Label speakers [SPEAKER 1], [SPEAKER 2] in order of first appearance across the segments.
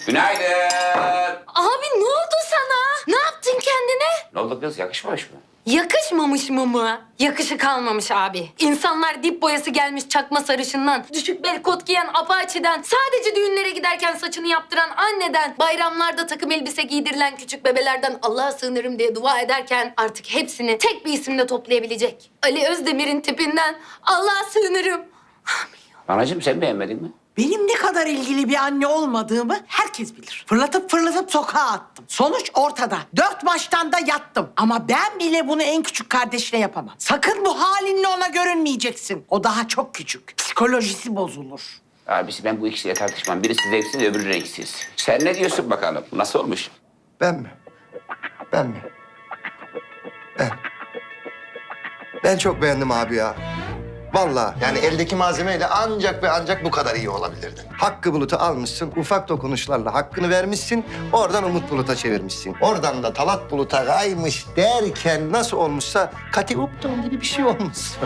[SPEAKER 1] Günaydın.
[SPEAKER 2] Abi ne oldu sana? Ne yaptın kendine?
[SPEAKER 1] Ne oldu kız? Yakışmamış mı?
[SPEAKER 2] Yakışmamış mı? Yakışı kalmamış abi. İnsanlar dip boyası gelmiş çakma sarışından, düşük bel kot giyen apaçiden, sadece düğünlere giderken saçını yaptıran anneden, bayramlarda takım elbise giydirilen küçük bebelerden Allah'a sığınırım diye dua ederken artık hepsini tek bir isimle toplayabilecek Ali Özdemir'in tipinden Allah'a sığınırım.
[SPEAKER 1] Anacığım sen beğenmedin mi?
[SPEAKER 3] Benim ne kadar ilgili bir anne olmadığımı herkes bilir. Fırlatıp sokağa attım. Sonuç ortada. 4 maçtan da yattım. Ama ben bile bunu en küçük kardeşine yapamam. Sakın bu halinle ona görünmeyeceksin. O daha çok küçük. Psikolojisi bozulur.
[SPEAKER 1] Abisi ben bu ikisiyle tartışmam. Birisi zevksiz, öbürü renksiz. Sen ne diyorsun bakalım? Nasıl olmuş?
[SPEAKER 4] Ben mi? Ben mi? Ben. Ben çok beğendim abi ya. Vallahi yani eldeki malzemeyle ancak ve ancak bu kadar iyi olabilirdin. Hakkı Bulut'u almışsın, ufak dokunuşlarla hakkını vermişsin, oradan Umut Bulut'a çevirmişsin. Oradan da Talat Bulut'a kaymış derken nasıl olmuşsa Kati Upton gibi bir şey olmuşsun.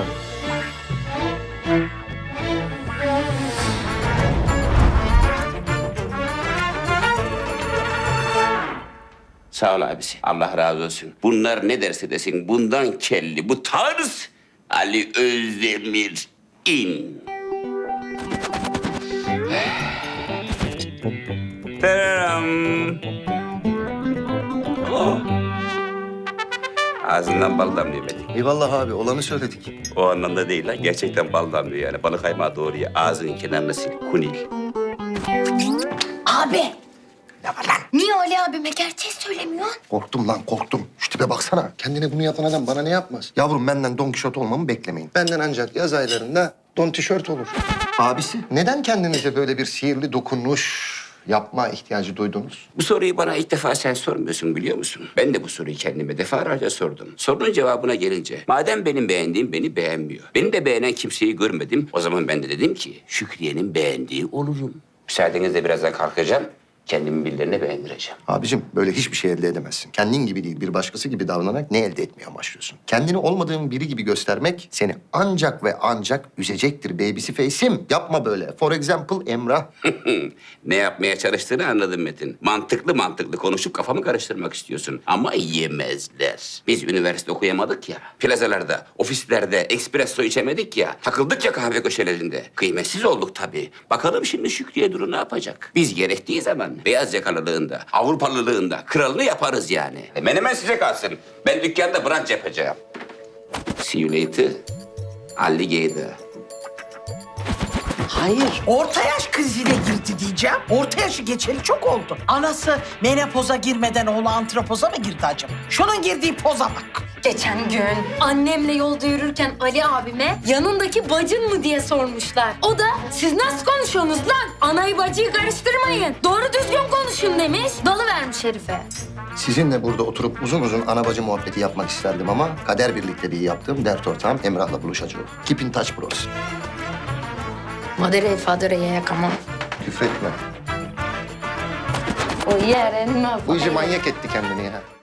[SPEAKER 1] Sağ ol abisi. Allah razı olsun. Bunlar ne derse desin bundan kelli. Bu tarz Ali Özdemir in. Tadam. Oh. Ağzından bal damlıyor Metin.
[SPEAKER 4] Eyvallah abi, olanı söyledik.
[SPEAKER 1] O anlamda değil lan. Gerçekten bal damlıyor yani. Balık kaymağı doğru ya. Ağzının kenarına sil. Kunil.
[SPEAKER 2] Abi
[SPEAKER 4] Ne var lan?
[SPEAKER 2] niye Ali abime gerçeği söylemiyorsun?
[SPEAKER 4] Korktum lan, korktum. Şu tipe baksana. Kendine bunu yapan adam bana ne yapmaz? Yavrum benden Don Kişot olmamı beklemeyin. Benden ancak yaz aylarında Don Tişört olur. Abisi, neden kendinize böyle bir sihirli dokunuş yapma ihtiyacı duydunuz?
[SPEAKER 1] Bu soruyu bana ilk defa sen sormuyorsun biliyor musun? Ben de bu soruyu kendime defalarca sordum. Sorunun cevabına gelince, madem benim beğendiğim beni beğenmiyor. Beni de beğenen kimseyi görmedim. O zaman ben de dedim ki, Şükriye'nin beğendiği olurum. Müsaadenizle birazdan kalkacağım. Kendimi birilerine beğendireceğim.
[SPEAKER 4] Abicim böyle hiçbir şey elde edemezsin. Kendin gibi değil, bir başkası gibi davranarak ne elde etmeye amaçlıyorsun? Kendini olmadığın biri gibi göstermek seni ancak ve ancak üzecektir babysi face'im. Yapma böyle. For example Emrah.
[SPEAKER 1] Ne yapmaya çalıştığını anladım Metin. Mantıklı konuşup kafamı karıştırmak istiyorsun. Ama yemezler. Biz üniversite okuyamadık ya. Plazalarda, ofislerde espresso içemedik ya. Takıldık ya kahve köşelerinde. Kıymetsiz olduk tabii. Bakalım şimdi Şükriye Duru ne yapacak? Biz gerektiği zaman beyaz yakalılığında, Avrupalılığında kralını yaparız yani. Menemen size kalsın. Ben dükkanda brunch yapacağım. See you later. Alligator.
[SPEAKER 3] Hayır, orta yaş krizine girdi diyeceğim. Orta yaşı geçeli çok oldu. Anası menopoza girmeden oğlu antropoza mı girdi acaba? Şunun girdiği poza bak.
[SPEAKER 2] Geçen gün annemle yolda yürürken Ali abime yanındaki bacın mı diye sormuşlar. O da siz nasıl konuşuyorsunuz lan? Anayı bacıyı karıştırmayın. Doğru düzgün konuşun demiş. Dalıvermiş herife.
[SPEAKER 4] Sizinle burada oturup uzun uzun ana bacı muhabbeti yapmak isterdim ama kader birlikteliği yaptığım dert ortağım Emrah'la buluşacağım. Keep in touch bros.
[SPEAKER 2] Madere fadereye yakamam.
[SPEAKER 4] Küfretme.
[SPEAKER 2] O yerin
[SPEAKER 4] Bu iyice manyak etti kendini ya.